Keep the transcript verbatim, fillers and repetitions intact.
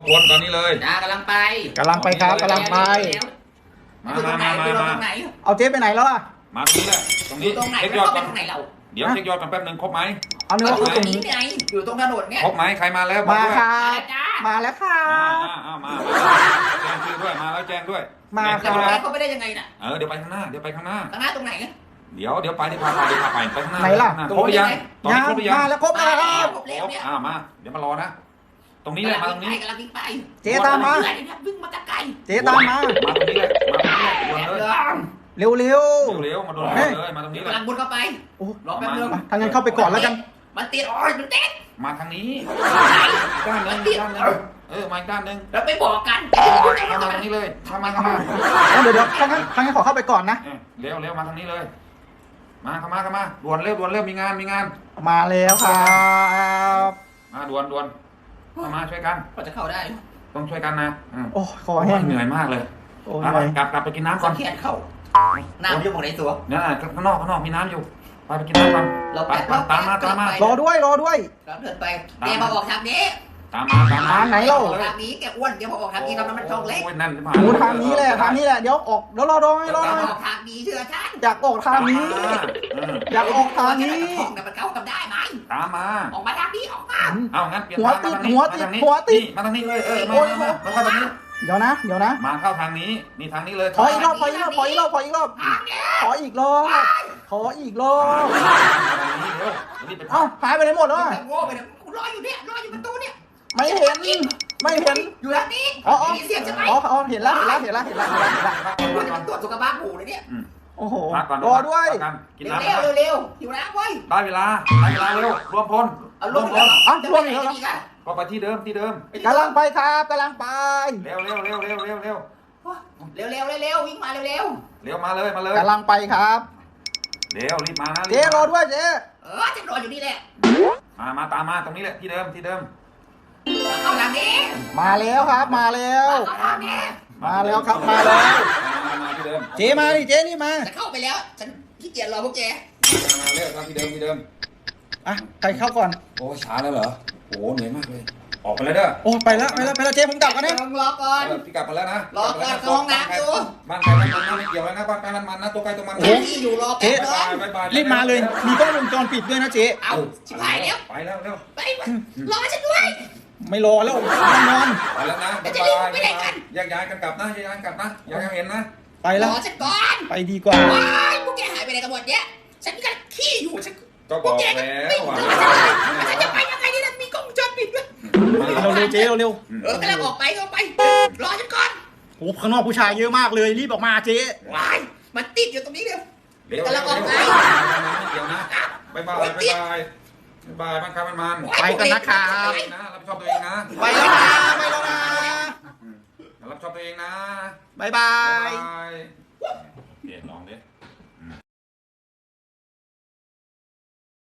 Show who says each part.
Speaker 1: วนตอนนี้เลย
Speaker 2: จ้ากำลังไป
Speaker 3: กำลังไปครับกำลังไป
Speaker 1: มามามามามา
Speaker 3: เอาเจ๊ไปไหนแล้วอ่ะ
Speaker 1: มาตรงนี้แหละตรงนี้
Speaker 2: เช็คยอดก่อน
Speaker 1: เดี๋ยวเช็คยอดกันแป๊บนึงครบไหม
Speaker 3: เอาเนื้อ
Speaker 2: อยู่ตรงนี้ไงอยู่ตรงถนนเนี่ย
Speaker 1: ครบไหมใครมาแล้ว
Speaker 3: มาครับมาแล้วค่ะ
Speaker 1: มามาแจ้งชื่อด้วยมาแล้วแจ้งด้วย
Speaker 3: มาครับ
Speaker 2: เขาไปได้ยังไงน่ะ
Speaker 1: เออเดี๋ยวไปข้างหน้าเดี๋ยวไปข้างหน้า
Speaker 2: ข้างหน้าตรงไหน
Speaker 1: เดี๋ยวเดี๋ยวไปที่พาไปเดี๋ยวพาไปไปข้างหน้า
Speaker 3: ไหนล่ะ
Speaker 1: ครบหรือยังตอนนี้ครบหรือยัง
Speaker 3: มาแล้วครบแล้ว
Speaker 2: ครบแล้วเนี่ย
Speaker 1: อ่ามาเดี๋ยวมารอนะตรงนี้เลยมาตรงนี้
Speaker 2: กำลังวิ่งไป
Speaker 3: เจ๊ตามมา
Speaker 2: วิ่งมาจากไกล
Speaker 3: เจ๊ตามมา
Speaker 1: มาตรงนี้เลยมาตรงนี้เลย
Speaker 3: เร็วเร็ว
Speaker 1: เร็วมาโดนเลยมาตรงนี้เลย
Speaker 2: กำลังบุญเข้าไปรอแป๊บนึง
Speaker 3: ทางนั้นเข้าไปก่อนแล้วกัน
Speaker 2: มันติดอ๋อยมันติด
Speaker 1: มาทางนี้ด้านนึงด้านนึงเออมาด้านนึง
Speaker 2: แล้วไปบอกกัน
Speaker 1: มาทางนี้เลยมามามา
Speaker 3: เดี๋ยวเดี๋ยวทางนั้นทางนั้นขอเข้าไปก่อนนะ
Speaker 1: เร็วเร็วมาทางนี้เลยมาเข้ามาเข้ามาด่วนเร็วด่วนเร็วมีงานมีงาน
Speaker 3: มาแล้วครับ
Speaker 1: มาด่วนด่วนมาช่วยกัน
Speaker 2: ก็จะเข้าได้
Speaker 1: ต้องช่วยกันนะ
Speaker 3: โอ้คอแห้ง
Speaker 1: เหนื่อยมากเลยกลับกลับไปกินน้ำก่อน
Speaker 2: แขนเข้าน้ำอยู่ตรงไหนตัว
Speaker 1: เนี่ยข้างนอกข้างนอกมีน้ำอยู่ไปไปกินน้ำก่อน
Speaker 2: เราไป
Speaker 1: ตามมาตามมาร
Speaker 3: อด้วยรอด้วย
Speaker 2: เราเดินไปแกมาออกทางนี้
Speaker 1: ตามมาตามมา
Speaker 3: ไหนเล่า
Speaker 2: ทางนี้แกอ้วนแกมาออกทางนี้ทำน้ำมันทองเล็ก
Speaker 1: นั่น
Speaker 3: หมูทางนี้แหละทางนี้แหละเดี๋ยวออกเดี๋ยวรอรอให้รอ
Speaker 2: ออกทางนี้เชื่อฉัน
Speaker 3: อยากออกทางนี้อยากออกทางนี้
Speaker 2: ทองแต่มันเข้ากันได้ไหม
Speaker 1: ตามมา
Speaker 2: ออกมาทางนี้ออกมา
Speaker 1: เอางั้นเปลี่ยน
Speaker 3: หัวติดหัวติดหัวติด
Speaker 1: มาทางนี้เลยเออมามามาเข้าทางนี้
Speaker 3: เดี๋ยวนะเดี๋ยวนะ
Speaker 1: มาเข้าทางนี้นี่ทางนี้เลย
Speaker 3: ขออีกรอบขออีกรอบขออีกรอบขออีกรอบขออีกรอบขออีกรอบเอ้าหายไปไหนหมดแล้ว
Speaker 2: โง่ไปเนี่ยรออยู่เนี่ยรออยู่ประตูเนี่ย
Speaker 3: ไม่เห็นไม่เห็น
Speaker 2: อยู่ทางนี้
Speaker 3: อ๋อ
Speaker 2: เสียงใช่ไหม
Speaker 3: อ๋อเห็นแล้วเห็นแล้วเห็นแล้วเห็นแล้วเห็นแล้วเห็นแล้ว
Speaker 2: มันตรวจสุขภาพหูเลยเนี่ย
Speaker 3: โอ้โหรอด้วย
Speaker 1: กินน้ำ
Speaker 2: เร็วเร็วหิวน้ำเว้ย
Speaker 1: ได้เวลาได้เวลาเร็วรวมพล
Speaker 2: รวมพล
Speaker 3: อ่ะรวมอีกแล้ว
Speaker 1: ก็ไปที่เดิมที่เดิม
Speaker 3: กำลังไปครับกำลังไป
Speaker 1: เร็วเร็วเร็วเร็วเร็วเร็ว
Speaker 2: เร็วเร็วเร็ววิ่งมาเร็วเร็ว
Speaker 1: เร็วมาเลยมาเลย
Speaker 3: กำลังไปครับ
Speaker 1: เร็วรีบมานะ
Speaker 3: เจ๊รอด้วยเจ๊
Speaker 2: เออจะรออยู่นี่แหละ
Speaker 1: มามาตามมาตรงนี้แหละที่เดิมที่เดิม
Speaker 2: เข้าทางนี้
Speaker 3: มาแล้วครับมาแล้ว
Speaker 2: เข้าทางนี้
Speaker 3: มาแล้วครับมาแล้ว
Speaker 1: มาที่เดิม
Speaker 3: เจ๊มาดิเจ๊นี่มา
Speaker 2: จะเข้าไปแล้วฉันขี้เกียจรอพวกแก
Speaker 1: มาเร็วมาที่เดิมที่เดิม
Speaker 3: อ่ะใครเข้าก่อน
Speaker 1: โอ้ช้าแล้วเหรอโอ้เหนื่อยมากเลยออกไปแล้วเด้อ
Speaker 3: โอ้ไปแล้วไปแล้วไปแล้วเจ๊ผมกลับกันนะ
Speaker 2: รอก่อน
Speaker 1: พี่กลับมาแล้วนะ
Speaker 2: รอก่อนห้องน้ำอยู่
Speaker 1: บ้านใครบ้านมันไม่เกี่ยวแล้วนะบ้านใครบ้านมันนะตัวใครตัวมัน
Speaker 2: ที่อยู่รอ
Speaker 3: เจ๊รีบมาเลยมีกล้องวงจรปิดด้วยนะเจ๊
Speaker 2: เอาชิบหายแล้ว
Speaker 1: ไปแล้วเร็ว
Speaker 2: ไปรอฉันด้วย
Speaker 3: ไม่รอแล้วนอน
Speaker 1: ไปแล้วนะ
Speaker 2: จะรีบไปไหนกัน
Speaker 1: แยกย้ายกันกลับนะแยกย้ายกลับนะอย่าให้เห็นนะ
Speaker 3: ไปแล้ว
Speaker 2: รอฉันก่อน
Speaker 3: ไปดีกว่า
Speaker 2: ว้ายพวกแกหายไปไหนกันหมดเนี่ยฉันก็ขี้อยู่ฉัน
Speaker 1: ก็บอกแล้วว่า
Speaker 2: ฉันจะไปยังไงนี่นะมีกล้องวงจรปิดด้วย
Speaker 3: เร็วเร็วเจ๊เร็ว
Speaker 2: เออกำลังออกไปออกไปรอฉันก่อน
Speaker 3: โอ้ข้างนอกผู้ชายเยอะมากเลยรีบออกมาเจ๊
Speaker 2: ว้ายมันติดอยู่ตรงนี้เร็วกำลังออกไป
Speaker 1: ไม่เกี่ยวนะบายบายบายบายบายบ้านใครบ้านมัน
Speaker 3: ไปกันนะครับ
Speaker 1: นะรับผิดชอบตัวเองนะ
Speaker 3: ไปแล้วนะไปแล้วนะ
Speaker 1: รับผิดชอบตัวเองนะ
Speaker 3: บายบาย